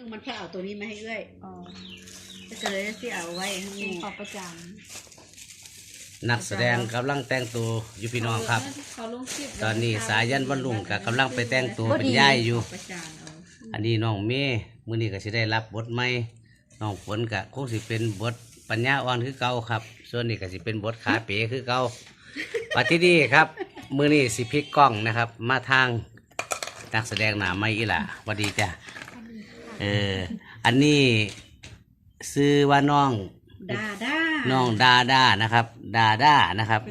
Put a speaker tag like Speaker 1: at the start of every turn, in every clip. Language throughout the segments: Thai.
Speaker 1: มันพาเอาตัวนี้มาให้เอ้ยก็เลยที่เอาไว้ให้มีขอบประจ
Speaker 2: นักแสดงกำลังแต่งตัวอยู่พี่น้องครับตอนนี้สายันวันลุงกับกำลังไปแต่งตัวเป็นย่ายอยู่อันนี้น้องเมย์มื้อนี้ก็สิได้รับบทใหม่น้องฝนก็คงสิเป็นบทปัญญาอ่อนคือเก่าครับส่วนนี้ก็สิเป็นบทขาเป๋คือเก่าปัจจุบันครับมื้อนี้สิพลิกกล้องนะครับ มาทางนักแสดงหน้าใหม่อีหล่ะสวัสดีจ้ะอันนี้ชื่อว่าน้อง
Speaker 1: ดาด้า
Speaker 2: น้องดาด้านะครับดาด้านะครับ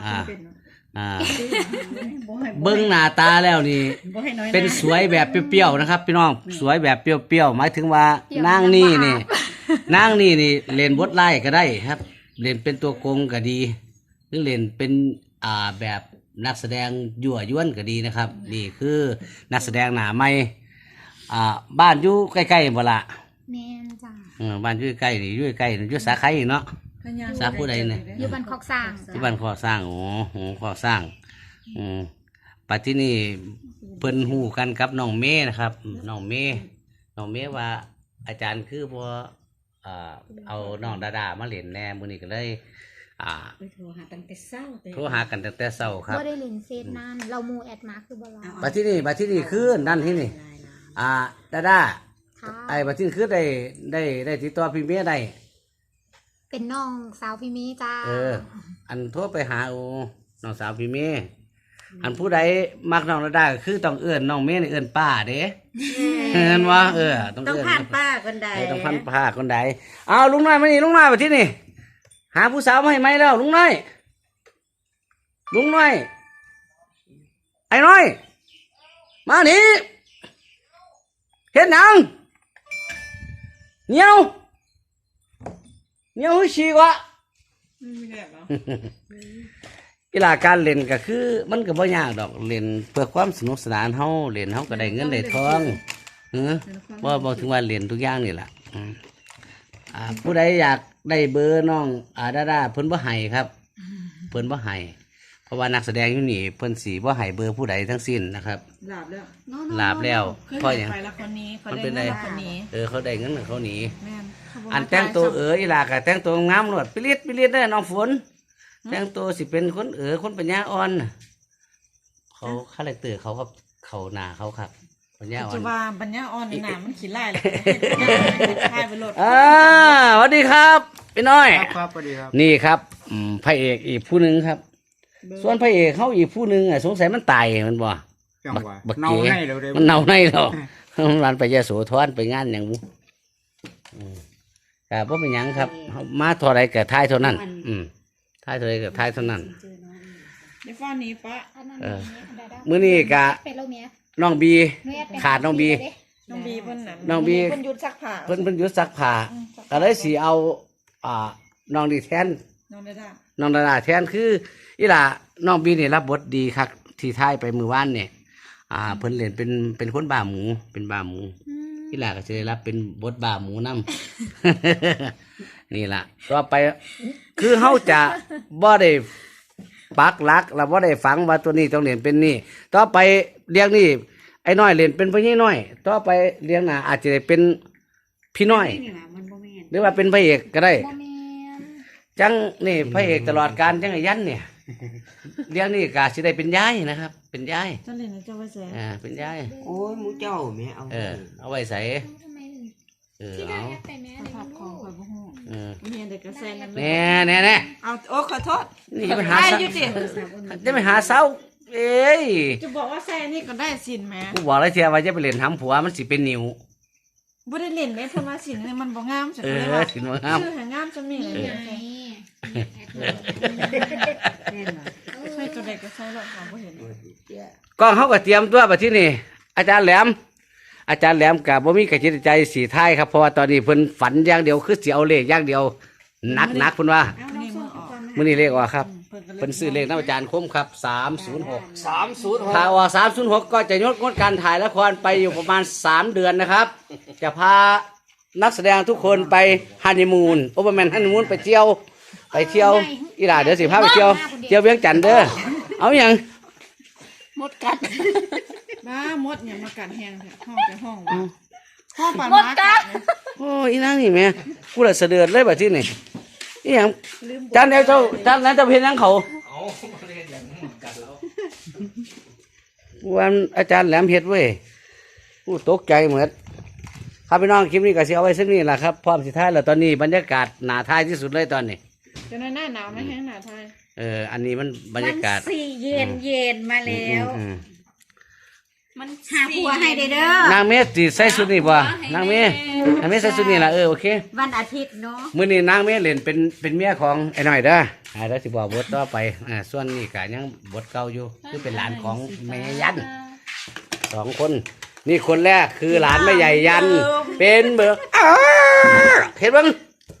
Speaker 2: เบิ้งหน้าตาแล้วนี่เป็นสวยแบบเปรี้ยวๆนะครับพี่น้องสวยแบบเปรี้ยวๆหมายถึงว่านางนี่นางนี่เล่นบทไล่ก็ได้ครับเล่นเป็นตัวโกงก็ดีหรือเล่นเป็นแบบนักแสดงยั่วยวนก็ดีนะครับนี่คือนักแสดงหน้าใหม่บ้านอยู่ใกล้ๆบ่ละ
Speaker 3: แม่นจ้า
Speaker 2: บ้านอยู่ใกล้นี่อยู่ใกล้อยู่สาขาอีกเนาะสาผู้ใดเนี่ย
Speaker 3: อยู่บ้านคอกสร้าง
Speaker 2: ที่บ้านคอกสร้างโอ้โหคอกสร้างปัจจุบันนี้เพิ่นฮู้กันกับน้องเมย์นะครับน้องเมย์ว่าอาจารย์คือบ่เอาน้องดาดามาเล่นแน่มื้อนี้ก็เลย
Speaker 1: โทรหาตั้งแต่เช้า
Speaker 2: ครับ
Speaker 3: บ่ได้เล่นเฟซนานเรามูแอดมาคือบ่รอ
Speaker 2: ปัจจุบันนี้คือนั่นที่นี่ดาดาไอ้ปัจจุบันคือได้ติดต่อพี่เมย์ได้
Speaker 3: เป็นน้องสาวพี่เมย์จ้า
Speaker 2: อันโทรไปหาน้องสาวพี่เมย์อันผู้ใดมักน้องดาดาก็คือต้องเอื้อนน้องเมย์นี่เอื้อนป้าเด้เห็นว่า
Speaker 1: ต้องผ่านป้าคนใด
Speaker 2: ต้องผ่านป้าคนใดเอาลุงน้อยมานี่ลุงน้อยมาที่นี่หาผู้สาวมาให้ไหมแล้วลุงน้อยไอ้น้อยมานี่เห็นหนังเหนียวฉีกวะกีฬาการเล่นก็คือมันก็บ่ยากดอกเล่นเพื่อความสนุกสนานเฮาเล่นเฮาก็ได้เงินได้ทองบ่ถึงว่าเล่นทุกอย่างนี่แหละผู้ใดอยากได้เบอร์น้องดาดาเพิ่นบ่ให้ครับเพิ่นบ่ให้เพราะว่านักแสดงอยู่นี่เพิ่นสิบ่ให้เบอร์ผู้ใดทั้งสิ้นนะครับลาบแล้วเพราะหยังมันเป็นไดเขาได้เงินเขาหนีอันแต่งตัวอีหลาก็แต่งตัวงามโลดปิลิดเด้อน้องฝนแต่งตัวสิเป็นคนคนปัญญาอ่อนเขาคาแรคเตอร์เขาครับเขาหน้าเขาครับปัญญาอ่อน
Speaker 4: จะว่าปัญญาอ่อนในหน้ามันขี้ไล่เลยทายไปโหลด
Speaker 2: สวัสดีครับพี่น้อย
Speaker 5: ครับสวัสดีครับ
Speaker 2: นี่ครับพระเอกอีกผู้หนึ่งครับส่วนพระเอกเขาอีกผู้หนึ่งสงสัยมันตายมันบ่บักเก๋มันเน่าในหรอกมันไปยะโสธรไปงานอย่างนี้แต่ว่าเป็นยังครับมาเท่าไรกับท้ายเท่านั้นท้ายเท่าไรกับท้ายเท่านั้น
Speaker 4: ในฟ้านี้ปะ
Speaker 2: มื้อนี้กะน้องบีขาดน้องบี
Speaker 4: เพิ่นหยุดซักผ้า
Speaker 2: เพิ่นหยุดซักผ้าก็เลยสิเอาน้องดีแทนน้องดาดาแทนคืออีหล่าน้องบีนี่รับบทดีครับที่ท้ายไปมือว่านเนี่ยเพิ่นเล่นเป็นคนบ้าหมูเป็นบ้าหมูอีหล่าก็จะได้รับเป็นบทบ้าหมูนำนี่ล่ะต่อไปคือเฮาจะบ่ได้ปักหลักเราบ่ได้ฝังว่าตัวนี้ต้องเล่นเป็นนี่ต่อไปเรียงนี่ไอ้น้อยเล่นเป็นพี่น้อยต่อไปเรียงหน้าอาจจะได้เป็นพี่น้อยหรือว่าเป็นพระเอกก็ได้จังนี่พระเอกตลอดการจังไอ้ยันเนี่ยเรียงนี่กาสิได้เป็นยายนะครับเป็นยาย
Speaker 4: จังเลยนะเจ้าไว้ใส่
Speaker 2: เป็นยาย
Speaker 5: โอ้ยมูเจ้าแม่
Speaker 2: เอาไว้ใส่
Speaker 3: เอาไปแม่
Speaker 4: ภาพของข่อยบ่ฮู้มีเด็กกระแสนั่น
Speaker 2: แน่
Speaker 4: เอาโอ้ขอโทษ
Speaker 2: นี่ไปหาอยู่ติจะไปหาเสาเอ้ย
Speaker 4: จะบอกว่าแซ่นี่ก็ได้สินแม่
Speaker 2: กูบอกแล้วเทียว่าจะไปเล่นทำผัวมันสิเป็นนิ้ว
Speaker 4: บ่ได้เล่นแม่เพิ่นว่าสินมันบ่งามจังเลยว่า
Speaker 2: สินบ่งาม
Speaker 4: ชื่อหางามจังนี่เลยใช่ตัวเด็กก็ใช่หรอกบ่เห็น
Speaker 2: กล้องเฮาก็เตรียมตัวบัดที่นี่อาจารย์แหลมกับบ่มีกระจิตใจสีท้ายครับเพราะว่าตอนนี้เพิ่นฝันอย่างเดียวคือสิเอาเลขอย่างเดียวหนักเพิ่นว่ามื้อนี้เลขออกครับเพิ่นซื้อเลขนำอาจารย์คมครับ306ถ้าออก306ก็จะงดการถ่ายละครไปอยู่ประมาณ3เดือนนะครับจะพานักแสดงทุกคนไปฮันนีมูนโอเวอร์แมนฮันนีมูนไปเที่ยวอีหล่าเดี๋ยวสิพาไปเที่ยวเวียงจันทน์เด้อเอาหยัง
Speaker 4: มดกัดบ้ามดเนี่ยมากัดแห้งห้องจะห้อง
Speaker 1: พ่อปาน
Speaker 3: หมด
Speaker 1: มา
Speaker 3: กัด
Speaker 2: โอ้อีนางนี่แม่กูละเสะเดือดเลยบัดนี้นี่อีหยังจานเดียวเจ้าจานนั้นเจ้าเห็นหยังเขาวันอาจารย์แหลมเฮ็ดเว้ยกูตกใจเหมือนครับพี่น้องคลิปนี้ก็สิเอาไว้สักนี้แหละครับพร้อมสิท้ายแล้วตอนนี้บรรยากาศหนาท้ายที่สุดเลยตอนนี้
Speaker 4: จะหน้าหนาวไหมแห้งหนาวไทย
Speaker 2: อันนี้มันบรรยากาศ
Speaker 1: มันสี่เย็นมาแล้ว
Speaker 2: อืม
Speaker 1: มันหาผัวให้ได้เด้อน
Speaker 2: างเมสสิใส่ชุดนี้บ่นางเมสใส่ชุดนี้ล่ะโอเค
Speaker 1: วันอาทิตย์เนาะ
Speaker 2: มื้อนี้นางเมสเล่นเป็นเมียของไอ้น้อยเด้อแล้วสิบอกบทต่อไปส่วนนี้ก็ยังบทเก่าอยู่คือเป็นหลานของแม่ยัน2คนนี่คนแรกคือหลานแม่ใหญ่ยัน เป็นเบิกเห็นบ้าง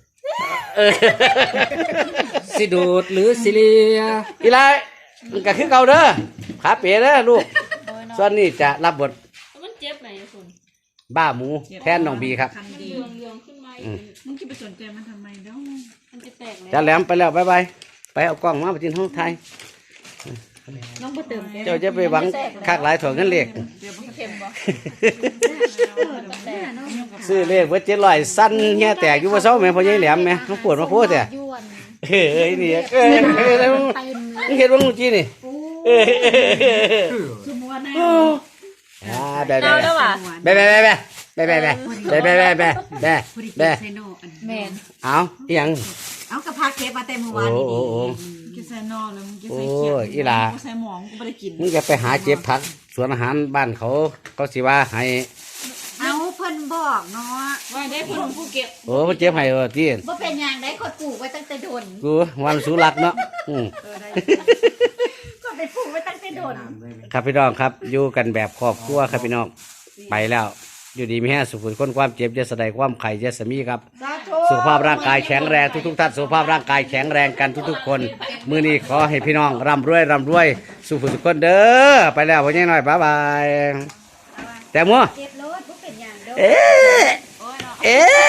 Speaker 5: สิดูดหรือสิเลีย
Speaker 2: อีไรมันก็คือเก่าเด้อขาเป๋เด้อลูกส่วนนี้จะรับบท
Speaker 4: มันเจ็บไหนคุณ
Speaker 2: บ้าหมูแทนน้องบีครับ
Speaker 1: คันดี
Speaker 4: เรืองขึ้นมามึงจะไปสนใจมันทำไมเด้อมันจะแตกเลย
Speaker 2: จะแหลมไปแล้วบ๊ายบายไปเอากล้องมาไปจินห้องไทย
Speaker 1: น้องบ่เติมแก้
Speaker 2: เจ้าจะไปหวังคากหลายถั่วเงินเหล็ก
Speaker 4: เค็มบ่
Speaker 2: ซื้อเลขเพื่อ700สั้นเงี้ยแตกอยู่ว่าเศร้าแม่พ่อใหญ่แหลมแม่ต้องปวดมาโคตรแต่
Speaker 3: ยวน
Speaker 2: เอ้ยนี่แล้วมึง
Speaker 3: เต็มเลย
Speaker 2: เห็นว่ามึงจีนี่
Speaker 1: คือมัวแน่
Speaker 2: แบบ
Speaker 1: ใส่โนอัน
Speaker 3: แมน
Speaker 2: เอาอีหยัง
Speaker 1: เอากระพาเก็บมาแต่เมื่อวานนี้
Speaker 4: กินใส่นอแล้วมึงกินใส่เขียวกูใส่หมองกูไม่ได้กิน
Speaker 2: มึงจะไปหาเจ็บผักสวนอาหารบ้านเขาสิว่าให้
Speaker 1: เอาเพิ่นบอกเนาะ
Speaker 4: ว่าได้คนของกูเก็บ
Speaker 2: โอ้มันเจ็บให้ที่
Speaker 1: ว่าเป็นอย่างได้คนปลูกไว้ตั้งแต่โดน
Speaker 2: กูวันสุรักเนาะ
Speaker 1: ก็ไปปลูกไว้ตั้งแต่โดน
Speaker 2: ครับพี่น้องครับอยู่กันแบบครอบครัวครับพี่น้องไปแล้ว อยู่ดีมีแห้สุขคนความเจ็บจะแสดงความไข่จะสมีครับ สุขภาพร่างกายแข็งแรงทุกท่านสุขภาพร่างกายแข็งแรงกันทุกๆคนมื้อนี้ขอให้พี่น้องร่ำรวยสุขทุกคนเด้อไปแล้วพ่อใหญ่น้อยบ๊ายบายแต่มัว
Speaker 1: เก็บรถว่าเป็นอย่างเด้อ
Speaker 2: เอ๊ะ